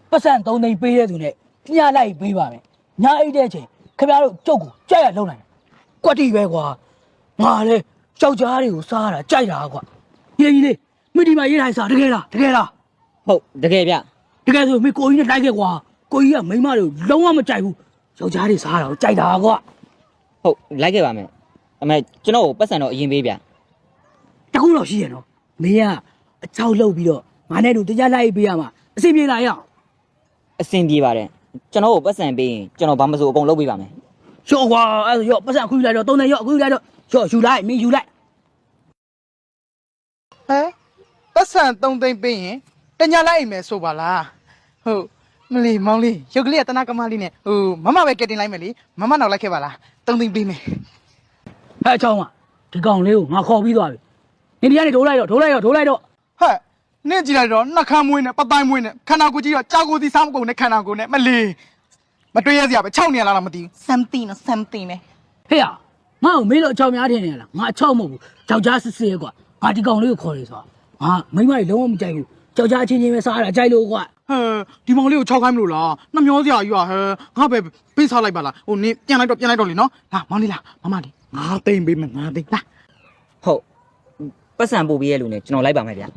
ပတ်စံ3သိန်းပေးတဲ့သူနဲ့ညလိုက်ပေးပါမယ်ညအိတ်တဲ့အချိန်ခင်ဗျားတို့ကြုတ်ကိုကြက်ရလုံနိုင်ကွက်တီပဲကွာငါလေယောက်ျားတွေကိုစားတာကြိုက်တာကွာကြီးလေးမိဒီမှာရေးတိုင်းစားတကယ်လားဟုတ်တကယ်ဗျတကယ်ဆိုမိကိုကြီးနဲ့လိုက်ခဲ့ကွာကိုကြီးကမိန်းမတွေကိုလုံးဝမကြိုက်ဘူးယောက်ျားတွေစားတာကိုကြိုက်တာကွာဟုတ်လိုက်ခဲ့ပါမယ်အမေကျွန်တော်ကိုပတ်စံတော့အရင်ပေးဗျတခုတော့ရှိရနော်မင်းကအချောက်လှုပ်ပြီးတော့ငါနဲ့တို့တရားလိုက်ပေးရမှာအစီပြေလာရအောင်အဆင်ပြေပါတယ်ကျွန်တော်ကိုပတ်စံပေးရင်ကျွန်တော်ဘာမဆိုအကုန်လုပ်ပေးပါမယ်ရော့ကွာအဲ့ရော့ပတ်စံအခုယူလိုက်တော့3နဲ့ရော့အခုယူလိုက်တော့ရော့ယူလိုက်မင်းယူလိုက်ဟမ်ပတ်စံ3သိန်းပေးရင်တညာလိုက်အိမ်မယ်ဆိုပါလားဟုတ်မလီမောင်လေးရုပ်ကလေးကတနာကမလေးနဲ့ဟိုမမပဲကက်တင်လိုက်မယ်လေမမနောက်လိုက်ခဲ့ပါလား3သိန်းပေးမယ်ဟဲ့အချောင်းကဒီကောင်လေးကိုငါခေါ်ပြီးသွားပြီနေဒီကနေထိုးလိုက်တော့ဟဲ့နင့်ကြည့်လိုက်တော့နှက်ခမ်းမွေးနဲ့ပတိုင်းမွေးနဲ့ခန္ဓာကိုယ်ကြီးတော့ကြောက်ကိုယ်စီစားမကုန်နဲ့ခန္ဓာကိုယ်နဲ့မလီမတွေ့ရစရာပဲ6နေရလားမသိဘူး something နဲ့ something နဲ့ဟေ့ရငါ့ကိုမင်းတို့အချောင်းများထင်နေလားငါအချောင်းမဟုတ်ဘူးယောက်ျားစစ်စစ်ကွာငါဒီကောင်လေးကိုခေါ်ရဆိုတာငါမိန်းမကြီးလုံးဝမကြိုက်ဘူးယောက်ျားချင်းချင်းပဲစားရတာကြိုက်လို့ကွာဟဲ့ဒီမောင်လေးကို6ခိုင်းမလို့လားနှမျောစရာကြီးอ่ะဟဲ့ငါပဲပေးစားလိုက်ပါလားဟိုနင်းပြန်လိုက်တော့လေနော်လာမောင်လေးလားမမလေး9သိန်းပေးမယ်9သိန်းလာဟုတ်ပတ်စံပို့ပေးရလို့ねကျွန်တော်လိုက်ပါမယ်ဗျ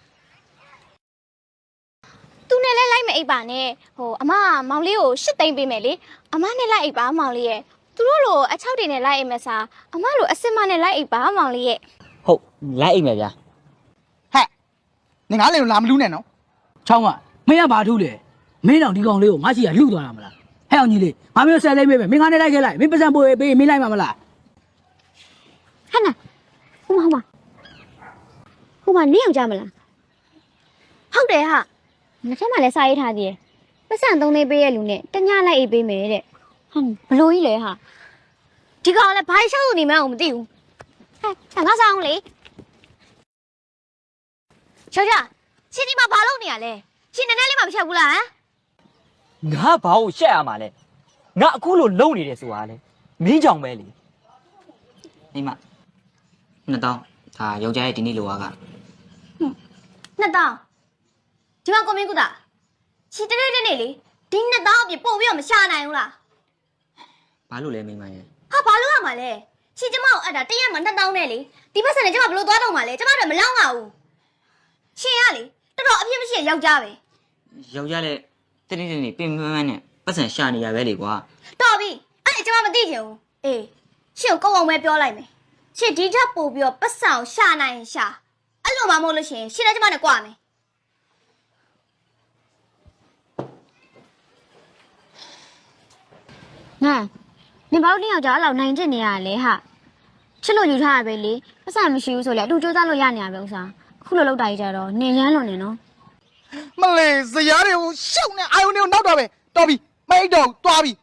သူနဲ့လဲလိုက်မအိပ်ပါနဲ့ဟိုအမမောင်လေးကို8သိန်းပေးမယ်လေအမနဲ့လိုက်အိပ်ပါမောင်လေးရဲ့သူတို့လိုအချောက်တွေနဲ့လိုက်အိပ်မစားအမလိုအစစ်မနဲ့လိုက်အိပ်ပါမောင်လေးရဲ့ဟုတ်လိုက်အိပ်မယ်ဗျဟဲ့နင်ငါလည်းလာမလူးနဲ့နော်ချောင်းကမင်းကဘာထူးလဲမင်းတောင်ဒီကောင်လေးကိုငါရှိရလှုပ်သွားတာမလားဟဲ့အောင်ကြီးလေးငါမျိုး10သိန်းပေးမယ်မင်းငါနဲ့လိုက်ခဲ့လိုက်မင်းပတ်စံပို့ပေးမင်းလိုက်မှာမလားဟဲ့နာဟိုမနေအောင်ကြမလားဟုတ်တယ်ဟာငါထက်မှလည်းစာရေးထားသေးတယ်ပတ်စံ3သိန်းပေးရလူနဲ့တညလိုက်အိပ်ပေးမယ်တဲ့ဟာဘလို့ကြီးလဲဟာဒီကောင်လည်းဘာရှောက်နေမှန်းမသိဘူးဟဲ့ငါစားအောင်လေချောချာချင်းဒီမှာဘာလုပ်နေရလဲချင်းနည်းနည်းလေးမှမချက်ဘူးလားဟမ်ငါဘာကိုရှက်ရမှာလဲငါအခုလိုလုံနေတယ်ဆိုတာလေမင်းကြောင့်ပဲလေမိမ2000ဒါယောက်ျားရဲ့ဒီနေ့လိုအားက 2000ဒီမှာကိုမင်းကုတာချီတနေ့လေဒီ2000အပြင်ပို့ပြီးတော့မရှာနိုင်ဘူးလားဘာလို့လဲမိမရဲ့ဟာဘာလို့ရမှာလဲချီကျမကိုအဲ့ဒါတရက်မှ2000နဲ့လေဒီဘက်ဆန်နဲ့ကျမဘလို့သွားတော့မှာလဲကျမတို့မလောက်ပါဘူးရှင်ရလေတော်တော်အပြစ်မရှိယောက်ျားပဲယောက်ျားလည်းတနေ့ပင်မန်းနဲ့ပတ်စံရှာနေရပဲလေကွာတော်ပြီအဲ့ဒါကျမမသိချင်ဘူးအေးရှင်ကိုကုန်းအောင်ပဲပြောလိုက်မယ်ရှင်ဒီချက်ပို့ပြီးတော့ပတ်စံကိုရှာနိုင်ရှာအဲ့လိုမှမဟုတ်လို့ရှင်ရှင်လည်းကျမနဲ့ကြွမယ်ငါနင်ဘာလို့ယောက်ျားအဲ့လောက်နိုင်ကျင်နေရလဲဟာချစ်လို့ယူထားရပဲလေပတ်စံမရှိဘူးဆိုလေအတူစူးစမ်းလို့ရနေရပဲဥစားအခုလိုလောက်တာကြီးကြတော့နင်ရမ်းလွန်နေနော်မလေးဇရားတွေကိုရှောက်နေအာယုန်တွေကိုနောက်တော့ပဲတော်ပြီမိတ်တော့တွားပြီ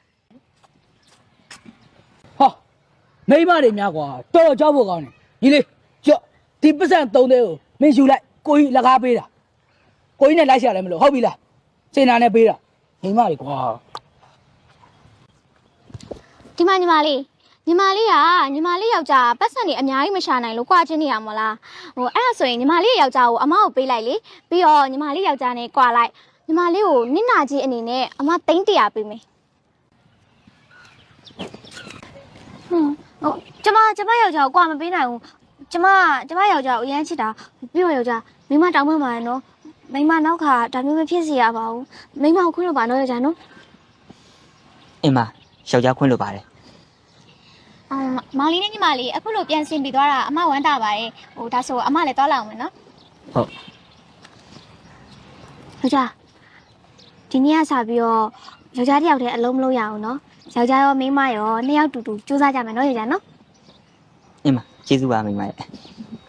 ဟောမိမတွေများကွာတော်တော်ကြောက်ဖို့ကောင်းတယ်ကြီးလေးကြော့ဒီပတ်စံ3သိန်းကိုမင်းယူလိုက်ကိုကြီးလက်ကားပေးတာကိုကြီးနဲ့လိုက်ရှာတယ်မလို့ဟုတ်ပြီလားစင်နာနဲ့ပေးတာမိမတွေကွာဒီမှာညီမလေးယောက်ျားပတ်စံနေအများကြီးမရှာနိုင်လို့ကြွားချင်းနေရမလားဟိုအဲ့ဒါဆိုရင်ညီမလေးယောက်ျားကိုအမကိုပေးလိုက်လေပြီးတော့ညီမလေးယောက်ျားနဲ့ကြွားလိုက်ညီမလေးကိုနင့်နာကြီးအနေနဲ့အမ300ပေးမယ်ဟုတ်ကျမယောက်ျားကိုကြွားမပေးနိုင်ဘူးကျမယောက်ျားကိုအရမ်းချစ်တာပြီးတော့ယောက်ျားမိမတောင်းမှမှာနော်မိမနောက်ခါဒါမျိုးမဖြစ်စေရပါဘူးမိမကိုခွင့်လို့ပါနော်ယောက်ျားနော်အင်းမယောက်ျားခွင့်လို့ပါတယ်မောင်လေးနဲ့ညီမလေးအခုလိုပြန်ဆင်ပြီးသွားတာအမဝမ်းတာပါတယ်ဟိုဒါဆိုအမလည်းသွားလာအောင်မယ်နော်ဟုတ်ယောက်ျားဒီနေ့ကစပြီးတော့ယောက်ျားတစ်ယောက်တည်းအလုံးမလို့ရအောင်နော်ယောက်ျားရောမိန်းမရောနှစ်ယောက်တူတူစူးစမ်းကြမယ်နော်ယောက်ျားနော်အင်းမကျေးဇူးပါမိန်းမရဲ့